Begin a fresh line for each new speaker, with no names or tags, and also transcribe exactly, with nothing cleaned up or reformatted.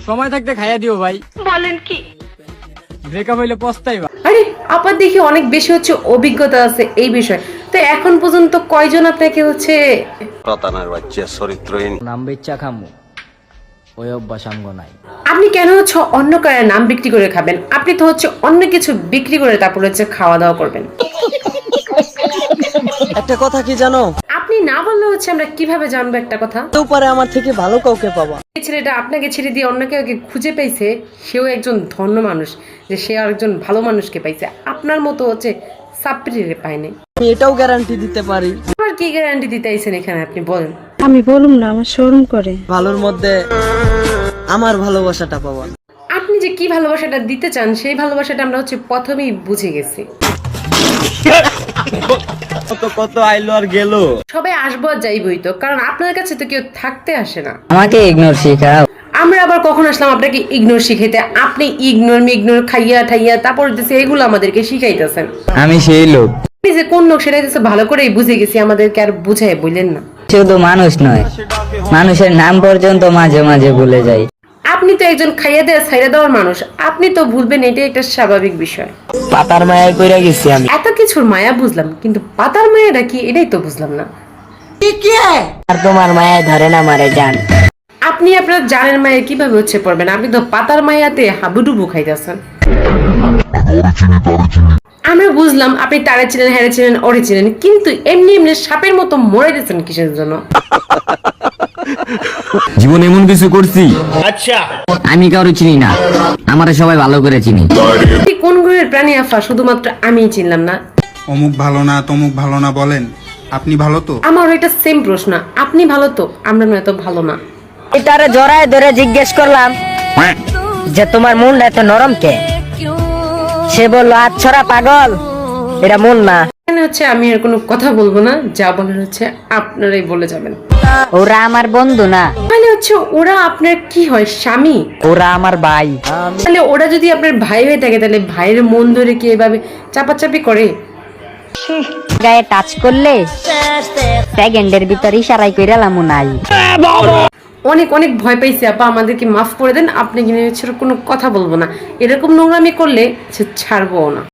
সময় থাকতে খাইয়া দিও ভাই।
বলেন কি?
ব্রেকআপ হইলে পস্তাইবা।
আরে আপার দেখি অনেক বেশি হচ্ছে অভিজ্ঞতা আছে এই বিষয়ে, তো এখন পর্যন্ত কয়জন আপনাকে হচ্ছে
রতানার বাচ্চা চরিত্রহীন
নাম বেচা খামু ওই অভ্যাস আমগো নাই।
আপনি কেন হচ্ছে অন্য কারের নাম বিক্রি করে খাবেন? আপনি তো হচ্ছে অন্য কিছু বিক্রি করে তারপর হচ্ছে খাওয়া দাওয়া করবেন।
একটা কথা কি জানো,
আপনি না বললে হচ্ছে আমরা কিভাবে জানবো একটা কথা?
তো পারে আমার থেকে ভালো কাউকে পাবা।
এই ছেলেটা আপনাকে ছেড়ে দিয়ে অন্য কেউ খুঁজে পাইছে, সেও একজন ধন্য মানুষ, যে সে আরেকজন ভালো মানুষকে পাইছে। আপনার মতো হচ্ছে সাপ্রিরে পায়নি।
আমি এটাও গ্যারান্টি দিতে পারি।
আর কি গ্যারান্টি দিতে আইছেন এখানে আপনি বলেন?
আমি বলুম না, আমার শরম করে।
ভালোর মধ্যে আমার ভালোবাসাটা পাবা।
আপনি যে কি ভালোবাসাটা দিতে চান সেই ভালোবাসাটা আমরা হচ্ছে প্রথমেই বুঝে গেছি।
কত কত আইলো আর গেল।
সবাই আসবো আর যাইবই তো, কারণ আপনার কাছে তো কেউ থাকতে আসে না।
আমাকে ইগনোর শিখাও।
আমরা আবার কখন আসলাম আপনাকে ইগনোর শিখাইতে? আপনি ইগনোর মিগনোর খাইয়া ঠাইয়া তারপর হচ্ছে এগুলো আমাদেরকে শিখাইতেছেন।
আমি সেই লোক।
আপনি যে কোন লোক সেটা হচ্ছে ভালো করেই বুঝে গেছি, আমাদেরকে আর বুঝাই বললেন না।
শুধু মানুষ নয়, মানুষের নাম পর্যন্ত মাঝে মাঝে ভুলে যাই।
আপনি তো একজন খাইয়া দেওয়া ছাইড়া দেওয়ার মানুষ, আপনি তো ভুলবেন, এটাই একটা স্বাভাবিক বিষয়।
পাতার মায়ায় কইরা গেছি আমি।
এত কিছুর মায়া বুঝলাম, কিন্তু পাতার মায়াটা কি এটাই তো বুঝলাম না।
আর তোমার মায়ায় ধরে না মারে জান।
আপনি আপনার জানের মায়া কিভাবে হচ্ছে পড়বেন? আপনি তো পাতার মায়াতে হাবুডুবু খাইতেছেন। আমরা বুঝলাম আপনি তারে ছিলেন, হ্যারে ছিলেন, ওরে ছিলেন, কিন্তু এমনি এমনি সাপের মতো মরে দিয়েছেন কিসের জন্য?
জীবন এমন কিছু করছি আচ্ছা আমি কারো চিনি না, আমারে সবাই ভালো করে চিনি।
আপনি কোন গ্রহের প্রাণী আফা? শুধুমাত্র আমিই চিনলাম না।
অমুক ভালো না তমুক ভালো না বলেন, আপনি ভালো তো?
আমার এটা সেম প্রশ্ন, আপনি ভালো তো? আমরা না এত ভালো না।
এটারে জড়ায় ধরে জিজ্ঞেস করলাম যে তোমার মনটা এত নরম কে? সে বললো আচ্ছরা পাগল, এটা মন না।
এখানে হচ্ছে আমি আর কোনো কথা বলবো না, যা বলার হচ্ছে আপনারাই বলে যাবেন।
ওরা আমার বন্ধু না,
মানে হচ্ছে ওরা আপনার কি হয়? স্বামী?
ওরা আমার ভাই।
তাহলে ওরা যদি আপনার ভাই হয়ে থাকে, তাহলে ভাইয়ের মন ধরে কি এভাবে চাপাচাপি করে?
গায়ে টাচ করলে সেকেন্ডের ভিতর ইশারাই কইরালাম নাই।
অনেক অনেক ভয় পাইছি আপা, আমাদেরকে মাফ করে দেন। আপনি কিনে কোনো কথা বলবো না, এরকম নোংরামি করলে সে ছাড়বো না।